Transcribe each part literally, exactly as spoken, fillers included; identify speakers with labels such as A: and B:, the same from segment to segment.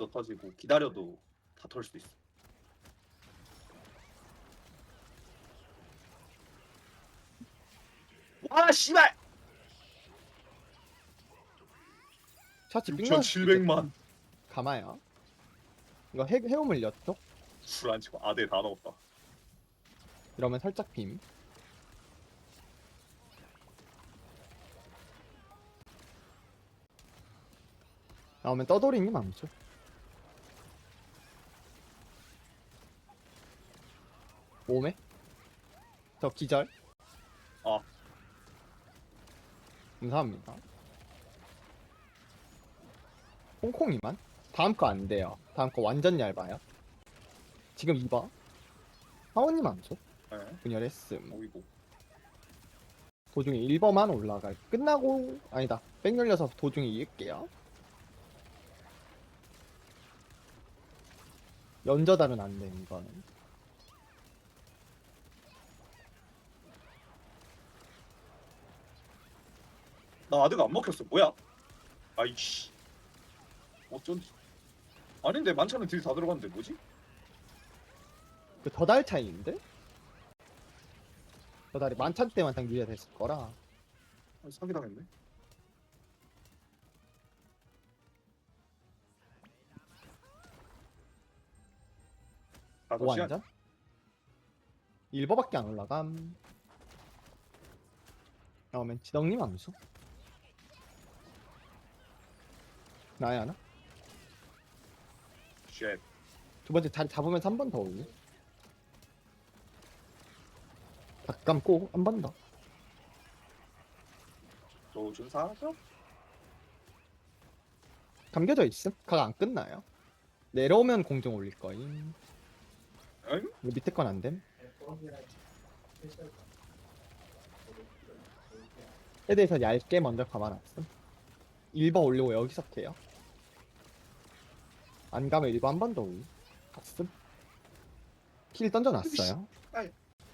A: 먼저 터지고 기다려도 다 털 수도 있어. 와 씨발!
B: 샤치 삥
A: 육천칠백만.
B: 가마야. 이거 해, 해움을 였죠?
A: 술 안 치고 아대 다 넣었다.
B: 이러면 살짝 빔. 나오면 떠돌이님 암수. 몸에? 저 기절.
A: 아.
B: 감사합니다. 콩콩이만? 다음 거 안 돼요. 다음 거 완전 얇아요. 지금 이 번. 하원님 암수.
A: 네.
B: 분열했음.
A: 오이고.
B: 도중에 일 번만 올라갈. 끝나고 아니다. 백 열려서 도중에 이을게요. 연저달은 안 돼, 이거는.
A: 나 아드가 안 먹혔어. 뭐야? 아이씨. 어쩐지. 아닌데 만찬은 딜 다 들어갔는데 뭐지?
B: 그 더달 차이인데? 더달이 만찬 때만 딱 유지가 됐을 거라.
A: 아, 사기당했네. 다섯 시간.
B: 오한잔? 일 번밖에 안 올라감. 나오면 지덕님 암수. 나야 하나?
A: 쉣.
B: 두 번째 자리 잡으면 한 번 더 올리. 다 감고 한 번 더.
A: 조준 사죠?
B: 감겨져 있음? 각 안 끝나요. 내려오면 공정 올릴 거임.
A: 응?
B: 이거 밑에 건 안 됨. 에 대해서 얇게 먼저 감아놨음. 일 번 올리고 여기서 해요. 안 가면 일 번 한 번 더 올리. 갔음. 킬 던져놨어요.
A: 아이.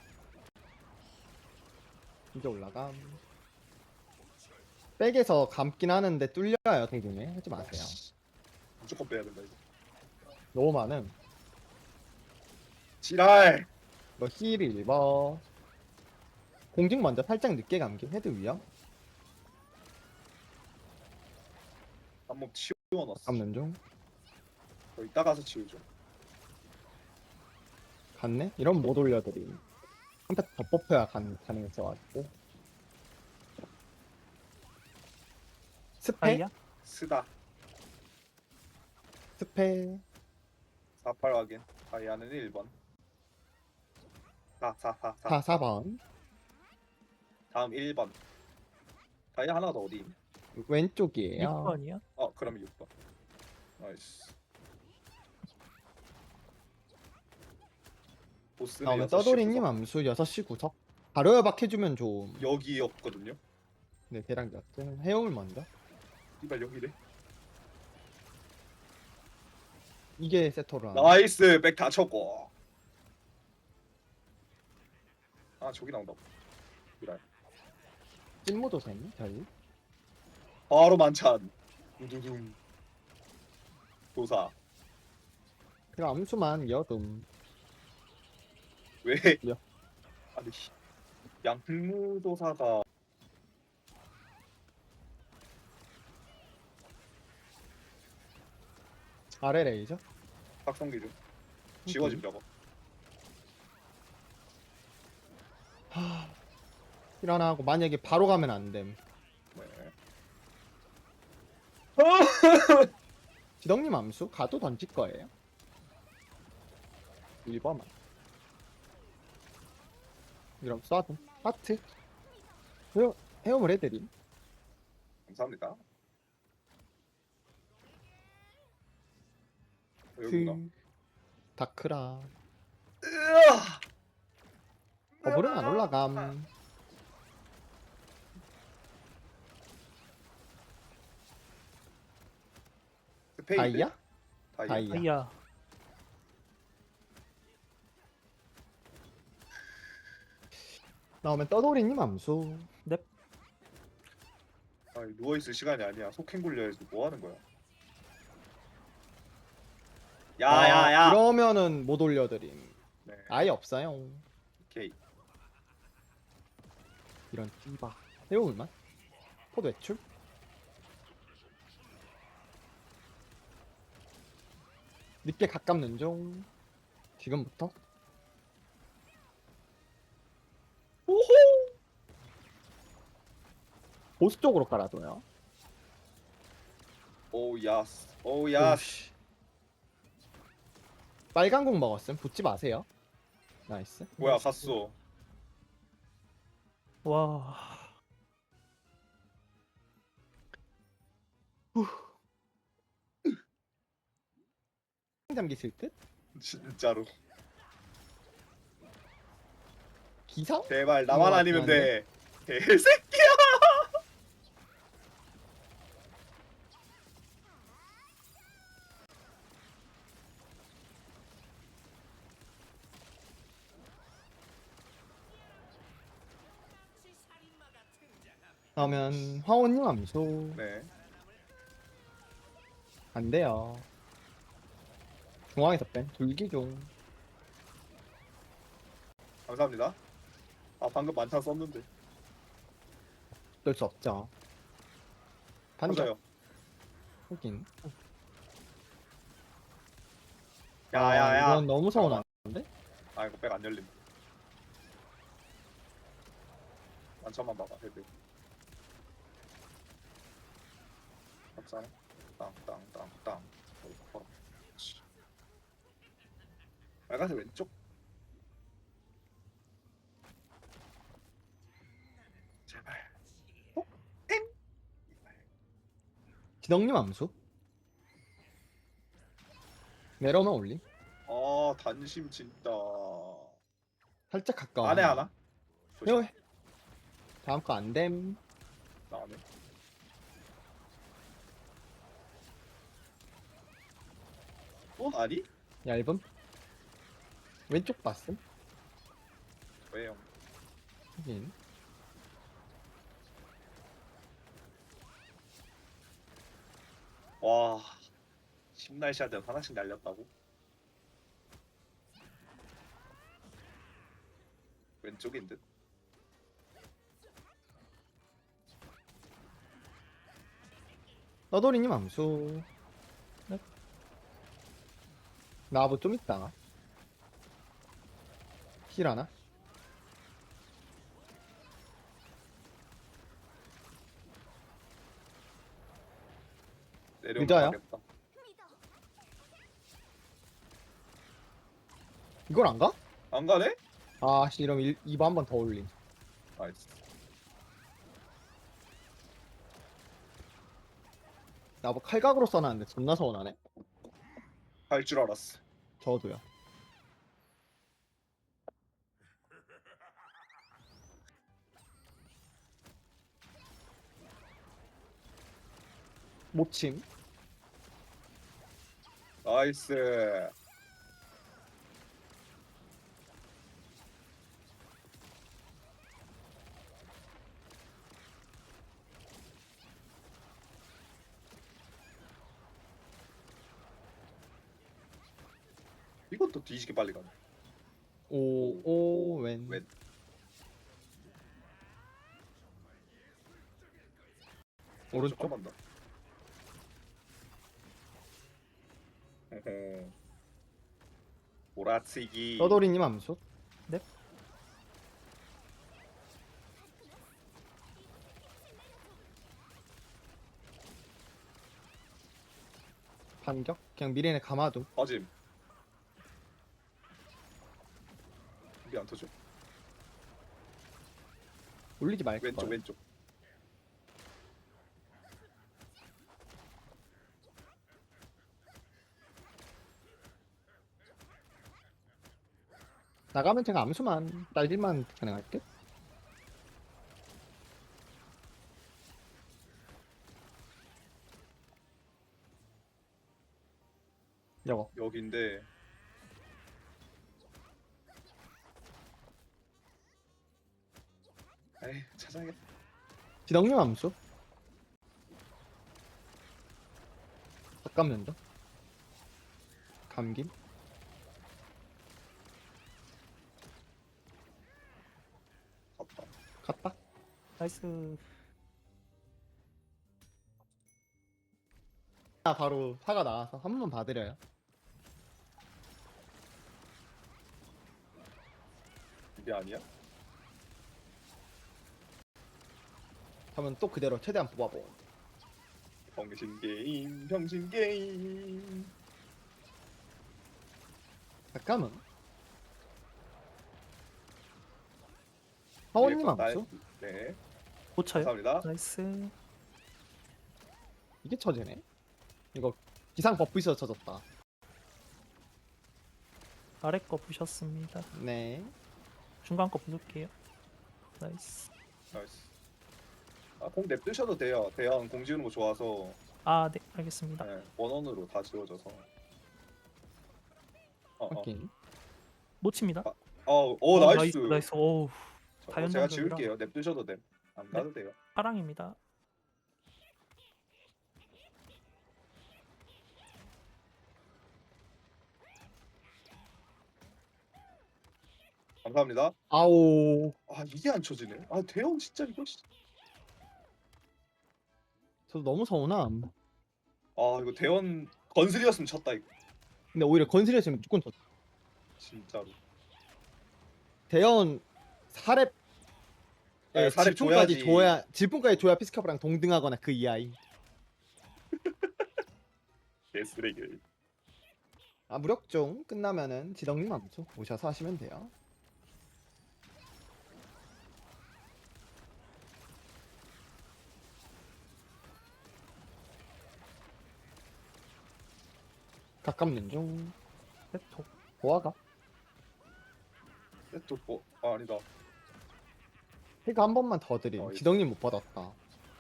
B: 이제 올라감. 백에서 감긴 하는데 뚫려요, 동중에. 하지 마세요.
A: 무조건 빼야 된다 이거.
B: 너무 많음.
A: 지랄.
B: 이거 힐 일 번. 공중 먼저 살짝 늦게 감기. 헤드 위험.
A: 한몸 치워놨어.
B: 감는 중.
A: 저 이따 가서 치우죠.
B: 갔네? 이러면 못 올려드림. 한 패 더 뽑혀야 간, 가능했어가지고. 스페?
C: 아이야?
A: 스다.
B: 스페.
A: 사팔 확인. 다이아는 일 번. 사, 사, 사, 사.
B: 사, 사 번.
A: 다음 일 번. 다이아 하나가 더 어디?
B: 왼쪽이에요.
C: 육 번이야?
A: 어, 그럼 육 번. 나이스. 보스는
B: 나오면
A: 여섯 시
B: 떠돌이님
A: 구석.
B: 암수 여섯 시 구석. 바로 협박해주면 좀.
A: 여기였거든요.
B: 네, 대략 몇 등. 해용을 먼저.
A: 이발 여기래.
B: 이게 세토라.
A: 나이스. 백 다 쳤고. 아, 저기 나온다. 이랄.
B: 찐모도셈 저희.
A: 바로 만찬. 두두둥. 도사.
B: 그럼 암수만 여둠.
A: 왜?
B: 야.
A: 아니 씨. 양무도사가
B: 아래 레이저.
A: 박성기 좀 지워짐 저거.
B: 하. 일어나고 만약에 바로 가면 안 됨.
A: 네.
B: 지덕님 암수 가도 던질 거예요. 일 번만. 이럼 쏴도 하트. 헤어, 헤엄을 해드림.
A: 감사합니다. 여기구나.
B: 그 다크라.
A: 으아!
B: 버블은 안 올라감.
A: 스페이드?
B: 다이아?
A: 다이아.
B: 다이아.
C: 아이야.
B: 나오면 떠돌이님 암수.
A: 아니, 누워있을 시간이 아니야. 속행 굴려야지. 뭐 하는 거야?
B: 아,
A: 야야야.
B: 이러면은 못 올려드림.
A: 네.
B: 아예 없어요.
A: 오케이.
B: 이런 띠바. 해볼만? 포드 외출? 늦게 가깝는 중. 지금부터?
A: 오호.
B: 보스 쪽으로 깔아둬요.
A: 오 야스. 오 야스.
B: 오씨. 빨간 공 먹었음. 붙지 마세요. 나이스.
A: 뭐야 갔어.
C: 와.
B: 잠기실 듯?
A: 진짜로.
B: 기상?
A: 제발 나만
B: 이거
A: 아니면
B: 같긴
A: 돼. 개새끼야.
B: 그러면 화원님 암수.
A: 네.
B: 안 돼요. 중앙에서 뺀 둘기 중.
A: 감사합니다. 아 방금 만찬 썼는데.
B: 어쩔 수 없죠. 반격.
A: 맞아요.
B: 하긴.
A: 야야야.
B: 아, 이건 너무 서운한데?
A: 아 이거 백 안 열림. 만찬만 봐봐 헤드. 맞잖아. 땅땅땅땅. 어, 그렇지. 빨간색 왼쪽. 제발.
B: 기덕님 암수. 내려오면 올림.
A: 아 단심 진짜.
B: 살짝 가까워.
A: 안에 하나?
B: 해요. 다음 거 안 됨.
A: 나네. 어 아니?
B: 얇음. 왼쪽 봤음.
A: 왜요?
B: 하긴.
A: 와. 심날씨한테 하나씩 날렸다고? 왼쪽인 듯.
B: 너도리님 암수. 네. 나부 좀 있다. 힐 하나?
A: 내려오면
B: 늦어요?
A: 가겠다.
B: 이걸 안 가?
A: 안 가네?
B: 아씨, 이러면 이 번 한 번 더 올림.
A: 나이스.
B: 나부 칼각으로 써놨는데 존나 서운하네.
A: 할 줄 알았어.
B: 저도요. 모침.
A: 나이스. 이것도 뒤지게 빨리 가네.
B: 오, 오, 웬.
A: 왼.
B: 오른쪽?
A: 한번 더. 어허. 오라치기.
B: 떠돌이님 암수. 네. 반격? 그냥 미래에 감아도.
A: 빠짐. 이게 안 터져.
B: 올리지 말걸.
A: 왼쪽 왼쪽.
B: 나가면 제가 암수만 딸길만 가능할 듯? 저거
A: 여기인데. 에이 찾아야겠다.
B: 지덕님 암수. 잠깐만요. 감긴.
A: 갔다.
B: 갔다.
C: 나이스.
B: 아, 바로 사가 나와서 한 번만 봐드려요.
A: 이게 아니야?
B: 하면 또 그대로 최대한 뽑아보.
A: 병신 게임, 병신 게임.
B: 잠깐만. 하원님
A: 네, 나-
B: 암수?
A: 네,
C: 고쳐요.
A: 감사합니다.
C: 나이스.
B: 이게 처지네. 이거 기상 버프 있어서 쳐졌다.
C: 아래 거 부셨습니다.
B: 네.
C: 중간 거 부술게요. 나이스.
A: 나이스. 아, 공 냅두셔도 돼요. 대형 공 지우는 거 좋아서
C: 아, 네, 알겠습니다.
A: 네, 원원으로 다 지워져서. 어, 어,
B: 오케이.
C: 못 칩니다.
A: 어, 어, 오,
C: 어,
A: 나이스.
C: 나이스. 오우,
A: 저-
C: 다
A: 어, 제가
C: 연장전이라.
A: 지울게요. 냅두셔도 돼. 안
C: 네.
A: 가도 돼요.
C: 파랑입니다.
A: 감사합니다.
B: 아오.
A: 아, 이게 안 쳐지네. 아, 대형 진짜 이거. 씨.
B: 저도 너무 서운함.
A: 아, 이거 대원 건슬이었으면 쳤다 이거.
B: 근데 오히려 건슬이었으면 무조건 졌.
A: 진짜로.
B: 대현 사렙
A: 네,
B: 예,
A: 사렙
B: 질풍까지
A: 줘야지.
B: 줘야 질풍까지 줘야 피스카프랑 동등하거나 그 이하이.
A: 개쓰레기.
B: 아 무력종 끝나면은 지덕님 암수 오셔서 하시면 돼요. 가깝는 중
C: 랩톱.
B: 보아가
A: 또 뭐? 아, 아니다.
B: 해가 한 번만 더 드림.
A: 어,
B: 지덕님 못 받았다.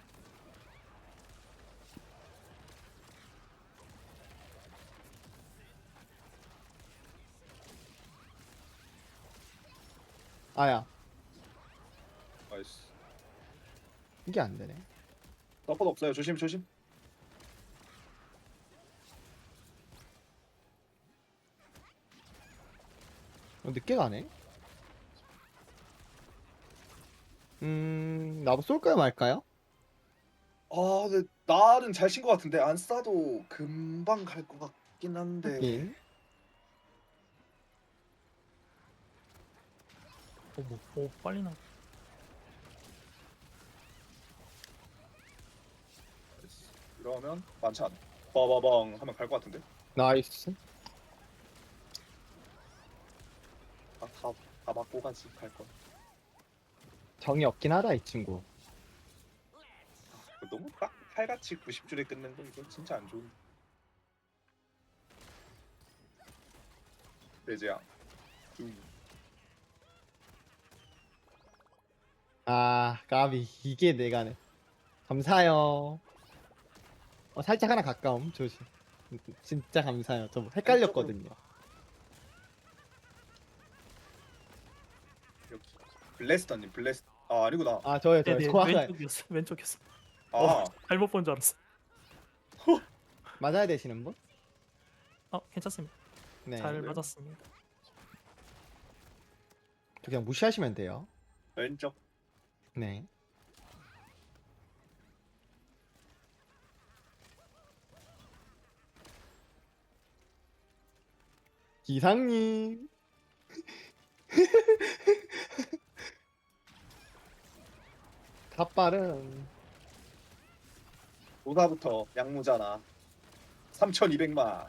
B: 아야
A: 나이스.
B: 이게 안 되네.
A: 서폿 없어요. 조심 조심.
B: 어, 늦게 가네. 음 나도 쏠까요 말까요?
A: 아, 근데 날은 잘 친 것 같은데 안 싸도 금방 갈 것 같긴 한데.
B: 하긴.
C: 오, 뭐, 오, 빨리 나.
A: 나이스. 이러면 만찬. 빠바방 하면 갈 것 같은데.
B: 나이스.
A: 아, 다, 다 맞고 가지 갈 거.
B: 정이 없긴 하다 이 친구.
A: 너무 딱 칼같이 구십 줄에 끝낸 거 이거 진짜 안 좋은. 레지야. 음.
B: 아 까비 이게 내가네. 감사해요. 어, 살짝 하나 가까움 조심. 진짜 감사해요. 좀 헷갈렸거든요.
A: 여기 블래스터님 블래스. 아, 아니구나.
B: 아 저요 저요.
C: 네네,
B: 소화가
C: 왼쪽이었어. 왼쪽이었어.
A: 아,
C: 어, 잘못 본 줄 알았어.
B: 맞아야 되시는 분?
C: 어, 괜찮습니다.
B: 네.
C: 잘
A: 네.
C: 맞았습니다.
B: 저 그냥 무시하시면 돼요.
A: 왼쪽.
B: 네. 기상님. 갓발은
A: 노사부터 양무잖아. 삼천이백만.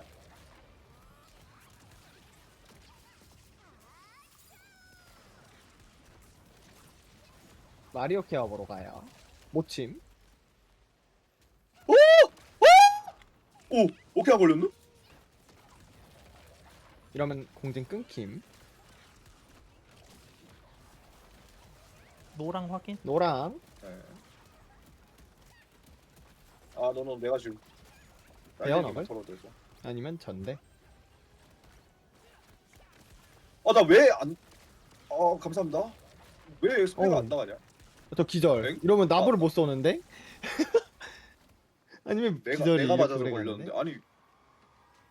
B: 마리오 케어 보러 가요. 모침.
A: 오, 오케이 걸렸네?
B: 이러면 공진 끊김.
C: 노랑 확인.
B: 노랑.
A: 네. 아, 너는 내가 지금
B: 대현업을?
A: 털어대서.
B: 아니면 전대.
A: 아, 나 왜 안? 어, 감사합니다. 왜 스페가
B: 어.
A: 안 나가냐?
B: 저 기절.
A: 엥?
B: 이러면 나부를
A: 아.
B: 못 쏘는데? 아니면
A: 내가
B: 기절이
A: 내가
B: 이렇게
A: 맞아서
B: 오래
A: 걸렸는데.
B: 갔는데?
A: 아니,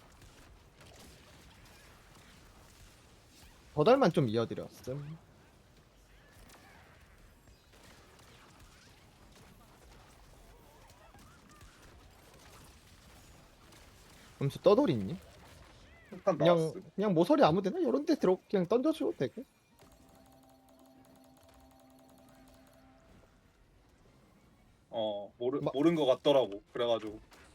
B: 버달만 좀 이어드렸음. 점수 떠돌이니?
A: 일단
B: 그냥
A: 나왔어.
B: 그냥 모서리 아무데나 이런 데 들어 그냥 던져줘도 되고.
A: 어 모르
B: 마-
A: 모른 것 같더라고. 그래가지고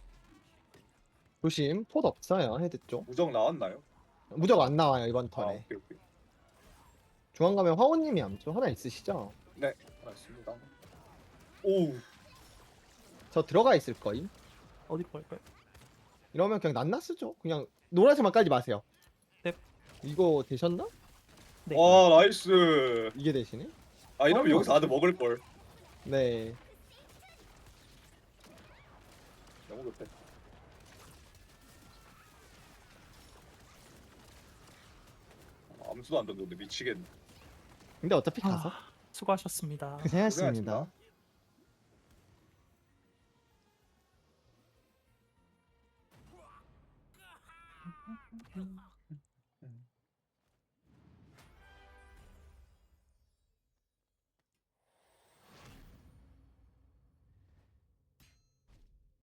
B: 조심, 폿 없어요 헤드 쪽.
A: 무적 나왔나요?
B: 무적 안 나와요 이번
A: 아
B: 턴에.
A: 오케이 오케이.
B: 중앙 가면 화원님이 암수 하나 있으시죠?
A: 네 알았습니다. 오
B: 저 들어가 있을 거임.
C: 어디로 갈까요?
B: 이러면 그냥 낱낱 쓰죠. 그냥 노란색만 깔지 마세요.
C: 네.
B: 이거 되셨나?
C: 네.
A: 와 나이스.
B: 이게 되시네?
A: 아 이러면
B: 어,
A: 여기서 아드 먹을 걸.
B: 네.
A: 너무 급해. 아, 암수도 안 던졌는데 미치겠네.
B: 근데 어차피 가서.
C: 아, 수고하셨습니다.
B: 고생하셨습니다.